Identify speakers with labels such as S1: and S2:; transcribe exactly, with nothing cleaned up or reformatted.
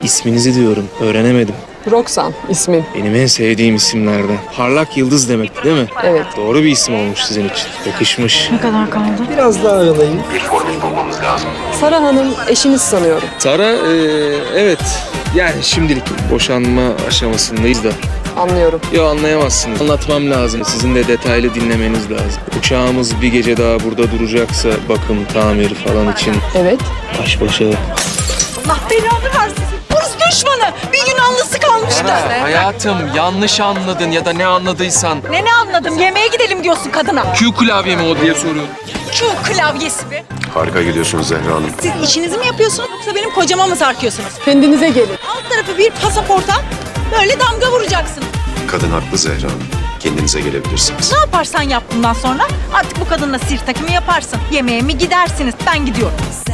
S1: İsminizi diyorum, öğrenemedim.
S2: Roxan ismin.
S1: Benim en sevdiğim isimlerden. Parlak yıldız demek değil mi?
S2: Evet.
S1: Doğru bir isim olmuş sizin için. Yakışmış.
S3: Ne kadar kaldı?
S2: Biraz daha aralayın. Sara Hanım eşiniz sanıyorum.
S1: Sara, e, evet. Yani şimdilik boşanma aşamasındayız da.
S2: Anlıyorum.
S1: Yo, anlayamazsınız. Anlatmam lazım. Sizin de detaylı dinlemeniz lazım. Uçağımız bir gece daha burada duracaksa bakım, tamir falan için
S2: Evet.
S1: baş başa.
S3: Allah belanı versin. Hırs düşmanı. Bir Yunanlısı kalmıştı.
S1: Hayatım, yanlış anladın ya da ne anladıysan.
S3: Ne ne anladım? Yemeğe gidelim diyorsun kadına.
S1: Q klavye mi o diye soruyorum.
S3: Q klavyesi mi?
S4: Harika gidiyorsunuz Zehra Hanım.
S3: Siz işinizi mi yapıyorsunuz yoksa benim kocama mı sarkıyorsunuz?
S2: Kendinize gelin.
S3: Alt tarafı bir pasaporta böyle damga vuracaksın.
S4: Kadın haklı Zehra Hanım. Kendinize gelebilirsiniz.
S3: Ne yaparsan yap bundan sonra artık bu kadınla sir takımı yaparsın. Yemeğe mi gidersiniz? Ben gidiyorum.